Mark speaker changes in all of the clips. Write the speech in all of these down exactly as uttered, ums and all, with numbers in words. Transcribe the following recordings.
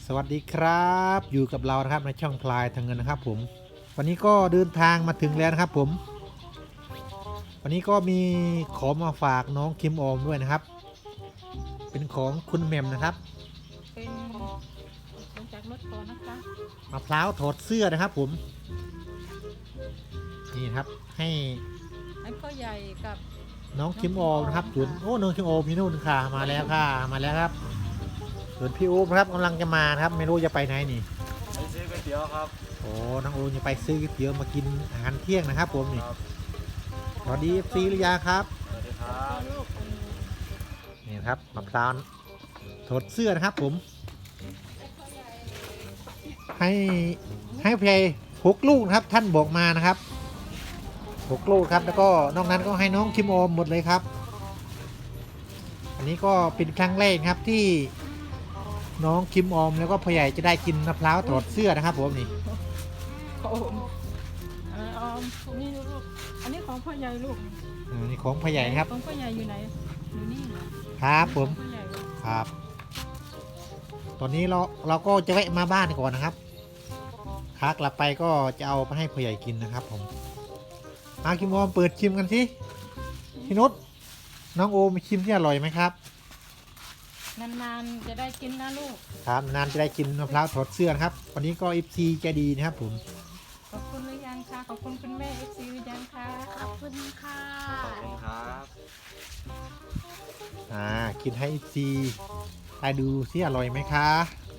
Speaker 1: สวัสดีครับอยู่กับเรานะครับในช่องพลายทางเงินนะครับผมวันนี้ก็เดินทางมาถึงแล้วนะครับผมวันนี้ก็มีของมาฝากน้องคิมออมด้วยนะครับเป็นของคุณแหม่มนะครับ
Speaker 2: เป็นลงจากรถก่อนนะคะ
Speaker 1: มะพร้าวถอดเสื้อนะครับผมนี่ครับให้
Speaker 2: ให้พ่อใหญ่กับ
Speaker 1: น้องคิมออมนะครับส่วนโอ้น้องคิมออมพี่นุ่นค่ะมาแล้วค่ะมาแล้วครับส่วนพี่อู๊บครับกำลังจะมาครับไม่รู้จะไปไหนนี่
Speaker 3: ไปซื้อก๋วยเตี๋ยวครับ
Speaker 1: โอ้น้องอูจะไปซื้อก๋วยเตี๋ยวมากินอาหารเที่ยงนะครับผมนี่สวัสดีเอฟซีหรือยังครับ
Speaker 3: สวัสดีครับ
Speaker 1: นี่ครับมะพร้าวถอดเสื้อนะครับผมให้ให้เพลย์หกลูกนะครับท่านบอกมานะครับหกลูกครับแล้วก็นอกนั้นก็ให้น้องคิมออมหมดเลยครับอันนี้ก็เป็นครั้งแรกครับที่น้องคิมออมแล้วก็พ่อใหญ่จะได้กินมะพร้าวถอดเสื้อนะครับผมนี่
Speaker 2: โอมออมนี่ลูกอันนี้ของพ่อใหญ่ลูก
Speaker 1: อันนี้ของพ่อใหญ่ครับ
Speaker 2: ของพ่อใหญ่อยู่ไหนอยู่นี่
Speaker 1: ครับผมครับตอนนี้เราเราก็จะแวะมาบ้านก่อนนะครับขากลับไปก็จะเอาไปให้พ่อใหญ่กินนะครับผมอาคิมออมเปิดชิมกันสิพี่นุชน้องโอมชิมที่อร่อยไหมครับ
Speaker 2: นานๆจะได้กินนะลูก
Speaker 1: ครับนานจะได้กินมะพร้าวถอดเสื้อนะครับวันนี้ก็เอฟซีใจดีนะครับผม
Speaker 2: ขอบคุณหรือยังคะขอบคุณคุณแม่เอฟซีหรือยังคะ
Speaker 4: ขอบคุณค่ะ
Speaker 3: ขอบคุณครับ
Speaker 1: อ่ากินให้เอฟซีได้ดูสิอร่อยไหมคะ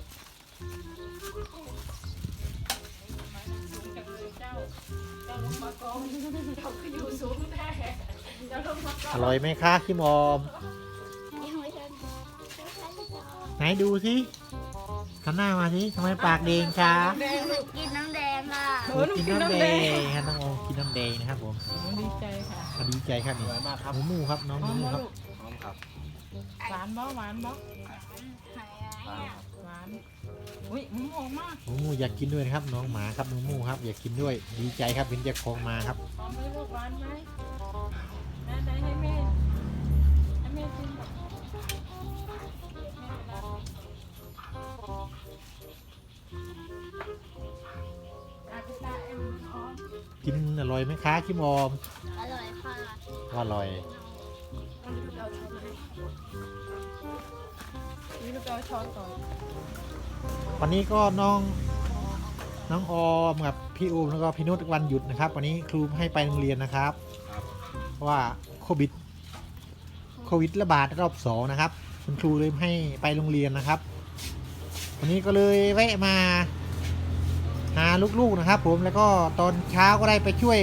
Speaker 1: อร่อยไหมคะคิมออมไหนดูสิขันหน้ามาสิทำไมปากแดงคะ
Speaker 4: กินน้ำแดงค่ะ
Speaker 1: กินน้ำแดงครับน้องโอกินน้ำแดงนะครับผม
Speaker 2: ดีใจค่ะ
Speaker 1: ดีใจครับนี่
Speaker 3: มากครับ
Speaker 1: หมูหมูครับน้องหมูหมูครับ
Speaker 3: พร้อมครับ
Speaker 2: หวานบ่หวานบ่หวานอุ้ยหมูหอมมาก
Speaker 1: หมูหมูอยากกินด้วยนะครับน้องหมาครับหมูหมูครับอยากกินด้วยดีใจครับเป็นเจ้าของมาครับ
Speaker 2: หอมไหมลูกหวานไหมแม่ได้ให้แม่ให้แม่กิน
Speaker 1: กินอร่อยไหมคะคิมออม
Speaker 4: อร่อยค่ะ
Speaker 1: อร่อย
Speaker 2: นี่ลูกเอาช้อนก่อน
Speaker 1: วันนี้ก็น้องน้องออมกับพี่อูมแล้วก็พี่นุชวันหยุดนะครับวันนี้ครูให้ไปโรงเรียนนะครับเพราะว่าโควิดโควิดระบาดรอบสองนะครับคุณครูเลยให้ไปโรงเรียนนะครับวันนี้ก็เลยแวะมาหาลูกๆนะครับผมแล้วก็ตอนเช้าก็ได้ไปช่วย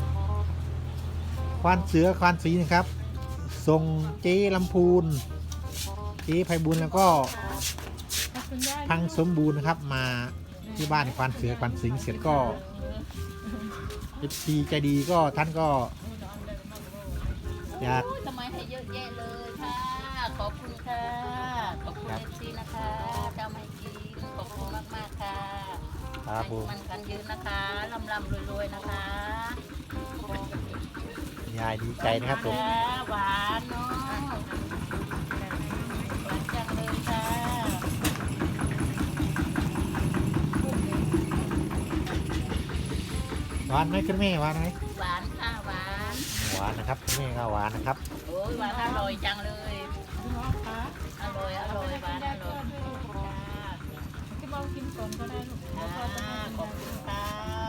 Speaker 1: ควานเสือควานสีนะครับส่งเจ๊ลำพูนเจ๊ไพบุญแล้วก็พังสมบูรณ์นะครับมาที่บ้านควานเสือควานสิงเสร็จก็เอฟซีใจดีก็ท่านก็อยาก
Speaker 4: ทำไมให้เยอะแยะเลยค่ะขอบคุณค่ะขอบคุณเอฟซีนะคะเจ้าไม่กินขอบคุณมากๆค่ะ
Speaker 1: ครับผม
Speaker 4: มันกันยืนนะคะลำลำรวยๆนะคะ
Speaker 1: ยายดีใจนะครับผม
Speaker 4: หวานเนาะหวานจังเลยค่ะ
Speaker 1: หวานไหมคุณแม่หวานไหม
Speaker 4: หวานค่ะหวาน
Speaker 1: หวานนะครับคุณแม่ก็หวานนะครับ
Speaker 4: โอ้ยหวานอร่อยจังเลยอร่อยอร่อยหวานอร่อย
Speaker 2: ที่เรากินก่อนก็ได้ลูก
Speaker 4: ขอบคุณค่ะ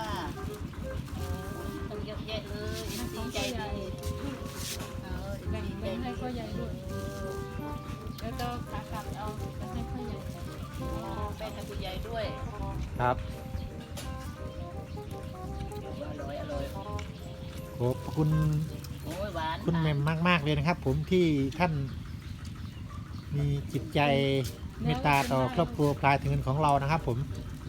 Speaker 4: ต้องเยอะแยะเลยดีใจดีเออดีใจ
Speaker 2: ให้พ่อใหญ่ด้วยแล้วก็ขากลับเอาไปให้พ่อใหญ่
Speaker 4: ไปให้ผู้ใหญ่ด้วย
Speaker 1: ครับ
Speaker 4: อร่อยอร่อย
Speaker 1: ขอบคุณคุณแม่มมากๆเลยนะครับผมที่ท่านมีจิตใจเมตตาต่อครอบครัวพลายถึงเงินของเรานะครับผม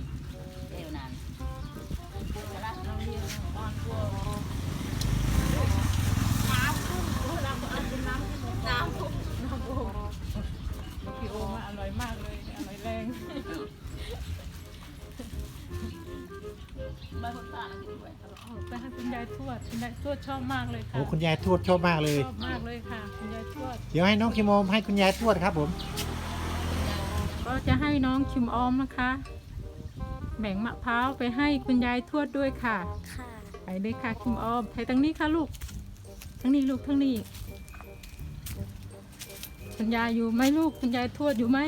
Speaker 2: พี่โอมาอร่อยมากเลยอร่อยแรงไปให้คุณยายทวดคุณยายทวดชอบมากเลยค่ะ
Speaker 1: โอ้คุณยายทวดชอบมากเลย
Speaker 2: ชอบมากเลยค่ะคุณยายทวด
Speaker 1: เดี๋ยวให้น้องคิมอมให้คุณยายทวดครับผม
Speaker 2: กก็จะให้น้องคิมออมนะคะ แบ่งมะพร้าวไปให้คุณยายทวดด้วยค่ะ
Speaker 5: ค่ะ
Speaker 2: ไปเลยค่ะคิมออมไปทางนี้ค่ะลูกทางนี้ลูกทางนี้คุณยายอยู่ไหมลูกคุณยายทวดอยู่ไหม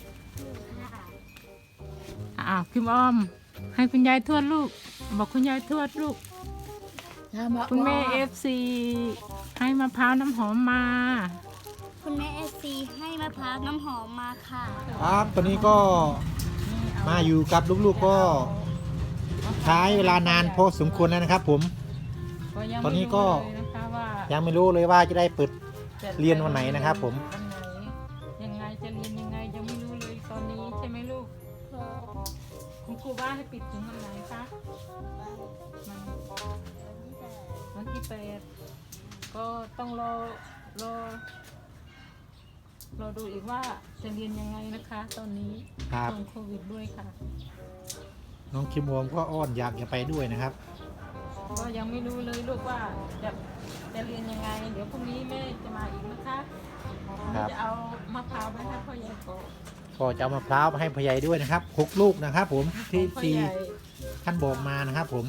Speaker 2: อ้าวคิมออมให้คุณยายทวดลูกบอกคุณยายทวดลูกคุณแม่เอฟซีให้มะพร้าวน้ำหอมมา
Speaker 5: คุณแม่เอซีให้มะพร้าวน้ำหอมมาค่ะ
Speaker 1: ครับตอนนี้ก็มาอยู่กับลูกๆก็ใช้เวลานานพอสมควรแล้วนะครับผม
Speaker 2: ยัง
Speaker 1: ตอนนี้ก็
Speaker 2: ไม่รู้เลยนะคะว่า
Speaker 1: ยังไม่รู้เลยว่าจะได้เปิด
Speaker 2: จะ
Speaker 1: เรียนวันไหนนะครับผม
Speaker 2: วันไหนยังไงจะเรียนยังไงยังไม่รู้เลยตอนนี้ใช่ไหมลูกคุณครูบ้านให้ปิดถึงวันไหนคะมันวันที่แปดก็ต้องรอรอรอดูอีกว่าจะเรียนยังไงนะคะ ตอนนี้
Speaker 1: ครับ
Speaker 2: ช่วงโควิดด้วยค่ะ
Speaker 1: น้องคิมวอมก็อ้อนอยากจะไปด้วยนะครับ
Speaker 2: ก็ยังไม่รู้เลยลูกว่าจะจะเรียนยังไง เดี๋ยวพรุ่งนี้แม่จะมาอีกนะคะ
Speaker 1: ครับ
Speaker 2: จะเอามะพร้าวไปให้พ่อใหญ่ก่อน
Speaker 1: ก็จะเอามะพร้าวมาให้พ่อใหญ่ด้วยนะครับหกลูกนะครับ ผมที่
Speaker 2: พ่อ
Speaker 1: ที่
Speaker 2: ใหญ่
Speaker 1: ท่านบอกมานะครับ ผม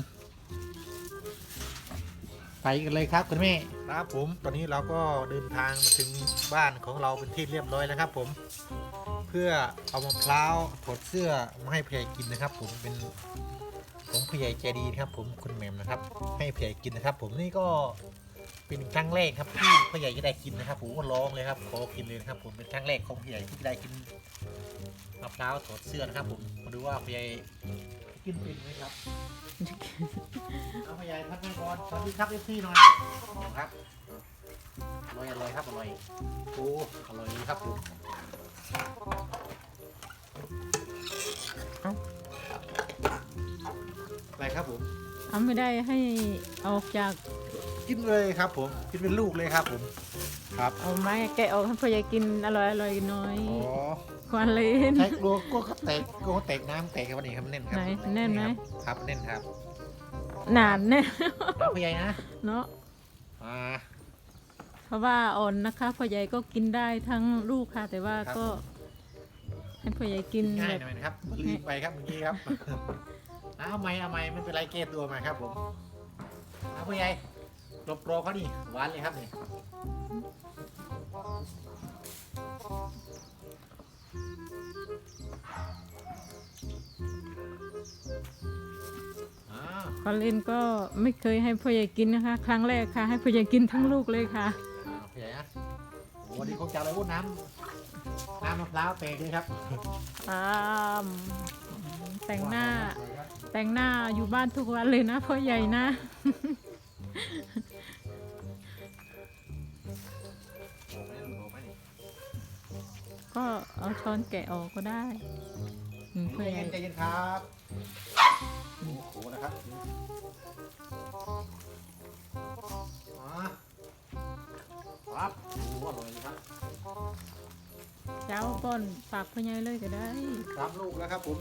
Speaker 1: ไปกันเลยครับคุณแม่ครับผมตอนนี้เราก็เดินทางมาถึงบ้านของเราเป็นที่เรียบร้อยแล้วครับ ผม เพื่อเอามะพร้าวถอดเสื้อมาให้พ่อใหญ่กินนะครับ ผมเป็นของพ่อใหญ่ใจดีนะครับ ผมคุณแหม่มนะครับ ให้พ่อใหญ่กินนะครับ ผมนี่ก็เป็นครั้งแรกครับที่พ่อใหญ่จะได้กินนะครับผมก็ร้องเลยครับขอกินเลยนะครับ ผมเป็นครั้งแรกของพ่อใหญ่ที่จะได้กินมะพร้าวถอดเสื้อนะครับ ผมมาดูว่าพ่อใหญ่กินเป็นไหมครับ เอาพ่อใหญ่พักนั่งก่อนสวัสดีครับเอฟซีหน่อยครับอร่อยอร่อยครับอร่อยโอ้อร่อยดีครับผมอะไรครับผม
Speaker 2: เอาไม่ได้ให้ออกจาก
Speaker 1: กินเลยครับ ผมกินเป็นลูกเลยครับ ผมครับ
Speaker 2: เอาไม้แกะออกให้พ่อใหญ่กินอร่อยอร่อยหน่อย
Speaker 1: อ๋อ
Speaker 2: ควันเลน
Speaker 1: ใช้กลัวก็แตกก็แตกน้ำแตกครับวันนี้ครับแน่นครับ
Speaker 2: ไหนแน่นไหม
Speaker 1: ครับแน่นครับ
Speaker 2: หนานแน่
Speaker 1: เอาพ่อใหญ่นะ
Speaker 2: เนาะ
Speaker 1: อ่า
Speaker 2: เพราะว่าอ่อนนะคะพ่อใหญ่ก็กินได้ทั้งลูกค่ะ แต่ว่า
Speaker 1: ครับ
Speaker 2: ก็ให้พ่อใหญ่กิน
Speaker 1: ง่าย
Speaker 2: แบบ
Speaker 1: หน่อยนะครับรีบไปครับเมื่อกี้ครับ เอาไหมเอาไหมไม่เป็นไรเกตตัวมาครับผมเอาพ่อใหญ่หลบโปรเขาดิหวานเลยครับนี่อ่า
Speaker 2: ควันเลนก็ไม่เคยให้พ่อใหญ่กินนะคะ ครั้งแรกค่ะ ให้พ่อใหญ่กินทั้งลูกเลยค่ะ
Speaker 1: อ่าพ่อใหญ่นะโอ้วันนี้คงจะอะไรวุ้นน้ำน้ำมะพร้าวเปกเลยครับ
Speaker 2: อ่ามแต่งหน้า แต่งหน้าอยู่บ้านทุกวันเลยนะพ่อใหญ่นะ ก็เอาช้อนแกะออกก็ได้อืมพ่อ
Speaker 1: ใจ
Speaker 2: ใหญ่
Speaker 1: เย็นใจเย็นครับโอ้โหนะครับมาครับโอ้โหอร่อยเลยครับ
Speaker 2: เจ้าป้อนฝากพ่อใหญ่เลยก็ได้
Speaker 1: สามลูกแล้วครับผม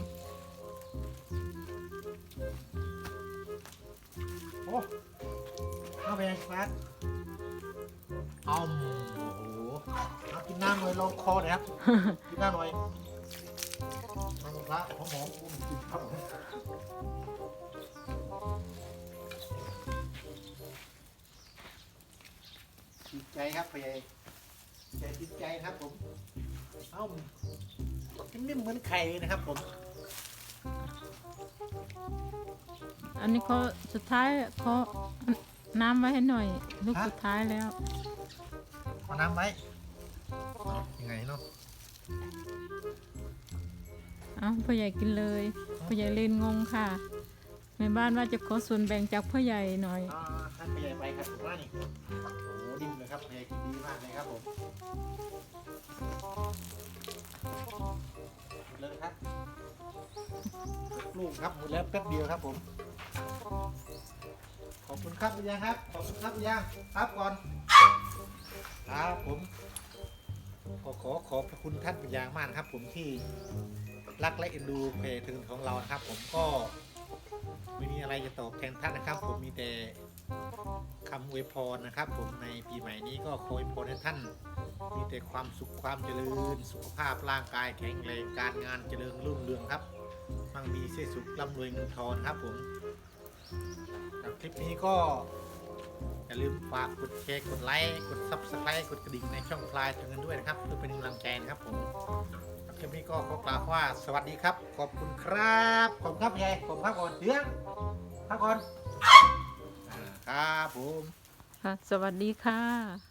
Speaker 1: โอ้เอาไปยังครับอ้อมโอ้โหเอากินน้ำหน่อยลองคอหน่อยครับ กินน้ำหน่อยน้ำมะพร้าวหอมหอมๆอุ้มกินครับผมติดใจครับพ่อใหญ่ใจติดใจครับผมเอ้านิ่มๆเหมือนไข่เลยนะครับผม
Speaker 2: อันนี้เขาสุดท้ายเขาน้ำไว้ให้หน่อย ลูก
Speaker 1: ฮะ
Speaker 2: สุดท้ายแล้ว
Speaker 1: เอาน้ำไว้เอายังไงเนาะ
Speaker 2: เอาพ่อใหญ่กินเลยพ่อใหญ่เลนงงค่ะแม่บ้านว่าจะขอส่วนแบ่งจากพ่อใหญ่หน่อย
Speaker 1: อ่าท่านพ่อใหญ่ไปครับผมว่านี่โอ้โหดิ่มเลยครับพ่อใหญ่กินดีมากเลยครับผมหมดเลยครับลูกครับหมดแล้วแป๊บเดียวครับผมขอบคุณครับพี่ยังครับขอบคุณครับพี่ยังครับก่อนครับผมขอขอขอบพระคุณท่านเป็นอย่างมากนะครับ ผมที่รักและเอ็นดูเพจถึงของเรานะครับ ผมก็ไม่มีอะไรจะตอบแทนท่านนะครับ ผมมีแต่คำอวยพรนะครับ ผมในปีใหม่นี้ก็ขออวยพรให้ท่านมีแต่ความสุขความเจริญสุขภาพร่างกายแข็งแรงการงานเจริญรุ่งเรืองครับมั่งมีเสสุขร่ำรวยเงินทองครับผมครับคลิปนี้ก็อย่าลืมฝากกดแชร์กดไลค์กดซับสไครต์กดกระดิ่งในช่องพลายถึงกันด้วยนะครับเพื่อเป็นกำลังใจนะครับผมคลิปนี้ก็ขอกล่าวว่าสวัสดีครับขอบคุณครับขอบคุณครับยายขอบคุณครับก่อนเดี๋ยวพักก่อนอ่าครับผม
Speaker 2: ค่ะ สวัสดีค่ะ